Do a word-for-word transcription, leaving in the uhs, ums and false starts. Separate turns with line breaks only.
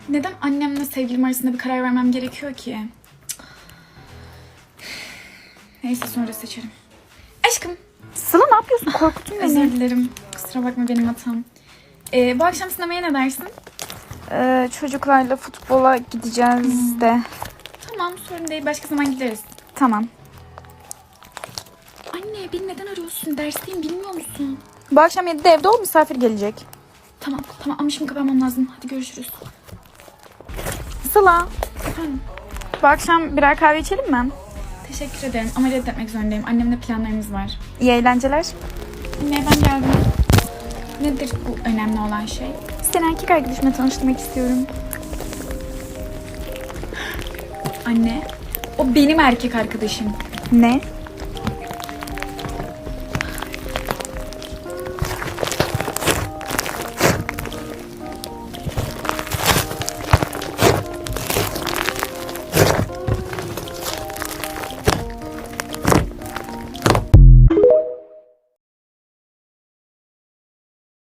Neden annemle sevgilim arasında bir karar vermem gerekiyor ki? Neyse sonra seçerim. Aşkım.
Sıla ne yapıyorsun? Korkuttun beni.
Özür dilerim. Kusura bakma benim hatam. Ee, bu akşam sinemaya ne dersin?
Ee, çocuklarla futbola gideceğiz de.
Tamam sorun değil. Başka zaman gideriz.
Tamam.
Anne beni neden arıyorsun? Dersteyim bilmiyor musun?
Bu akşam yedide evde ol, misafir gelecek.
Tamam tamam ama şimdi kapatmam lazım. Hadi görüşürüz.
Sıla,
Efendim?
bu akşam birer kahve içelim mi?
Teşekkür ederim ama reddetmek zorundayım. Annemle planlarımız var.
İyi eğlenceler.
Anne ben geldim. Nedir bu önemli olan şey?
Seni erkek arkadaşımla tanıştırmak istiyorum.
Anne, o benim erkek arkadaşım.
Ne?